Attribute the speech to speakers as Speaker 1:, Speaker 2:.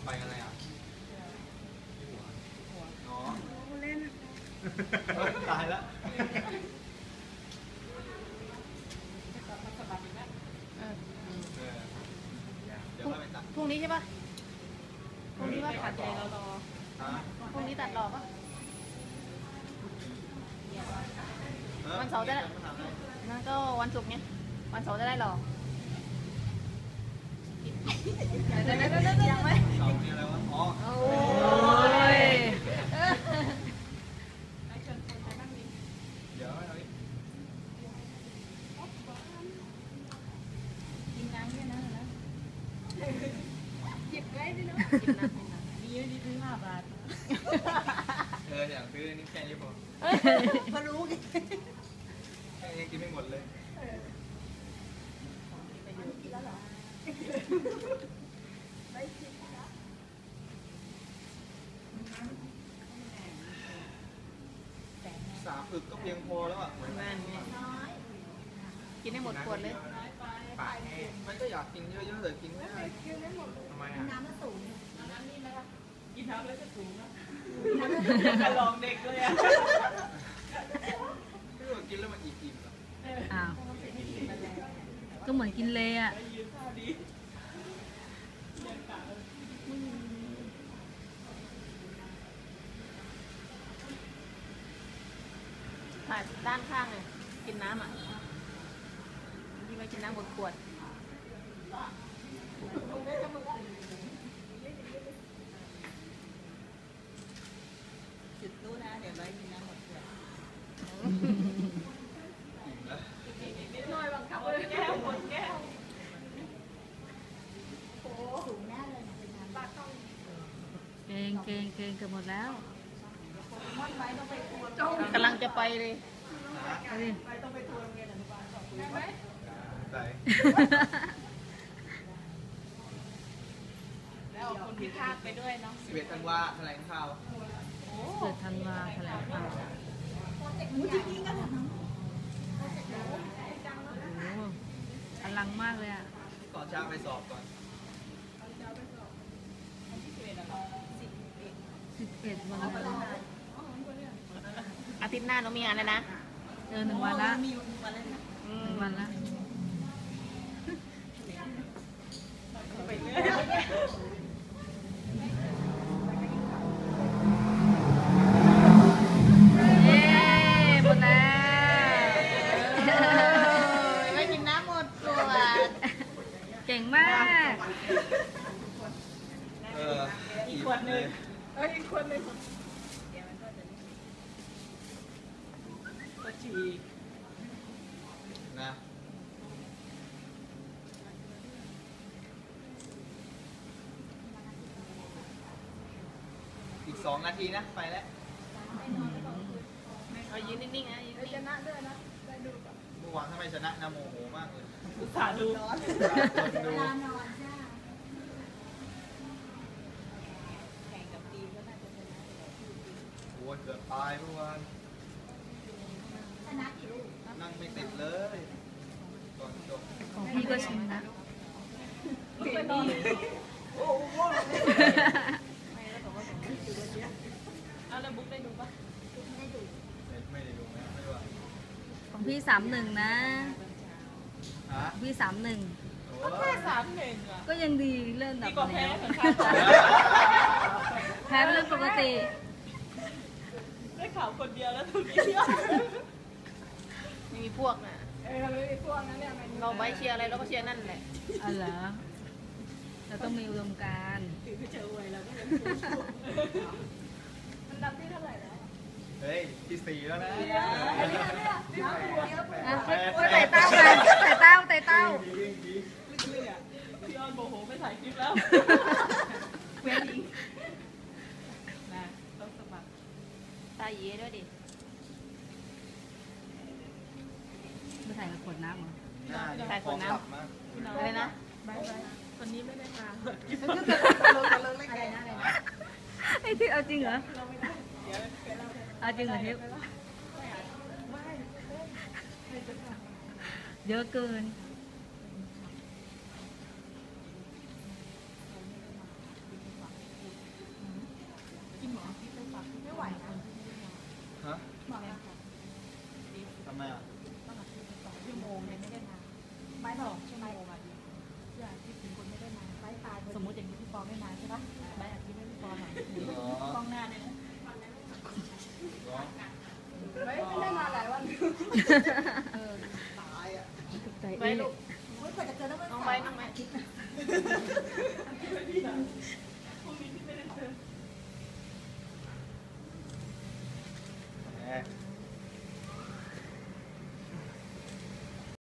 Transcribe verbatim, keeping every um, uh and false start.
Speaker 1: อะไรอ่ะอ๋อเล่นตายแล้ว
Speaker 2: พรุ่งนี้ใช่ปะพรุ่งนี้ว่าตัดใจเรารอพรุ่งนี้ตัดรอปะวันเสาร์จะได้นั่นก็วันศุกร์เนี่ยวันเสาร์จะได้รอยังไหม
Speaker 1: เสาร์นี่อะไรวะอ๋อ
Speaker 2: โอ้ย
Speaker 1: เดี๋ยวเอา
Speaker 2: กินน้ำด้วยนะนะหยิบได้ด้วยนะกินน้ำกินน้ำมีเยอะดีซื้อห้าบาท
Speaker 1: เอออยากซื้อนี่แค่นี้พอ
Speaker 2: พอรู้กิน
Speaker 1: แค่นี้กินไม่หมดเลยสามอึกก็เพียงพอแล้วอ่ะ
Speaker 2: กินได้หมดขวดเลย
Speaker 1: มันก็อยากกินเยอะๆแต่กินไม่ได้ทำไมอ่ะ
Speaker 2: น้ำมันสูงน้ำนี่ไหมคะกินน้ำแล้วจะสูงนะลองเด็กเลยอ่ะ
Speaker 1: ไม่รู้ว่ากินแล้วมันอิ่มๆหรอ
Speaker 3: อ้าวก็เหมือนกินเลยอ่ะ
Speaker 2: ถ่ายด้านข้างเลยกินน้ำอ่ะที่ไปกินน้ำบนขวดจุดตู้นะเดี๋ยวไว้กินน้ำหมดขวดน้อยบังคับเลยแก้วหมดแก้วโอ้สูงแน่เลยเป็นน้ำบ้าต้อง
Speaker 3: เก่งเก่งเก่งเกือบหมดแล้ว
Speaker 2: กำลังจะไปเลย
Speaker 3: ไปต้องไปทัวร์โรงเรียนอนุบาลสองได้ไหม
Speaker 1: ได้
Speaker 2: แล้วเอาคนพิพากไปด้วยเนาะ
Speaker 1: สิบเอ็ดธันวาแถลงข่าว
Speaker 3: เกิดธันวาแถลงข่าวโอ้อลังมากเลยอ่ะ
Speaker 1: ก่อนเช้าไปสอบก่อน
Speaker 3: สิบเอ็ดวันแล้ว
Speaker 2: อาทิตย์หน้าน้องมีงานแล้วนะ
Speaker 3: เออหนึ่งวันละหนึ่งวันละเย้หมดแล้ว
Speaker 2: ไม่กินน้ำหมดตัว
Speaker 3: เก่งมาก
Speaker 1: เออ
Speaker 2: อีกขวดหนึ่งเอออีกขวดหนึ่งก็ฉีก
Speaker 1: นะอีกสองนาทีนะไปแล้ว
Speaker 2: เอายืนนิ่งๆนะยืนชนะด้วยนะได้ดูก่อน
Speaker 1: เมื่อวานทำไมชนะนะโมโหมากเลย
Speaker 2: อุตส่าห์ดู
Speaker 1: เว
Speaker 2: ลานอนใช่แข่งกับทีมก็น่าจะชนะ
Speaker 1: โอ้ยเกือบตายเมื่อวาน
Speaker 2: ชนะกี่ลูก
Speaker 1: นั่งไม่ติดเลยก่อนจบ
Speaker 3: ของพี่ก็ชิมนะ
Speaker 2: ลูกไปนอนโอ้โหไม่แล้วบอกว่าผมไม่ดูวันนี้เอาแล้วบุ๊กได้ดูปะไม่ดู
Speaker 1: ไม่ได้ดูนะไม่ว่า
Speaker 3: ของพี่สามหนึ่งนะพี่สามหนึ่ง
Speaker 2: ก็แค่สามหนึ่งอ่ะ
Speaker 3: ก็ยังดีเลื่อนแบบ
Speaker 2: นี้
Speaker 3: แพ้เรื่องปกติ
Speaker 2: ได้ข่าวคนเดียวแล้วทุกทีไม่มีพวกนะเออไม่มีพวกนั้นเนี่ยเราไปเชียร์อะไรเราก็เชียร์นั่นแหละ
Speaker 3: อ๋อเหรอเราต้องมีอุดมการณ์
Speaker 2: ถือเจอไว้แล้วก็ยังมันดับที่เท่าไหร่แล้ว
Speaker 1: เฮ้ยที่สี่แล้วนะ
Speaker 3: ใส่เต้ากันใส่เต้าใส่เต้า
Speaker 2: พี่ออนโมโหไม่ถ่ายคลิปแล้วเว้นอีกนะต้องสมัครตาเย่ด้วยดิ
Speaker 3: ไม่ถ่ายกับขวดน้ำเหรอ
Speaker 2: ถ่ายขวดน้ำอะไรนะวันนี้ไม่ได้มา
Speaker 3: ไอ้ที่เอาจริงเหรอเอาจริงเหรอทิพย์เยอะเกินเออ
Speaker 4: ตายอ่ะ
Speaker 3: ถูกใจ
Speaker 2: ไป
Speaker 3: เอ๊ะ
Speaker 2: ลูก
Speaker 4: ไม่ควรจะเกินแล้วมัน
Speaker 2: น้องไปน้องไป
Speaker 1: แหม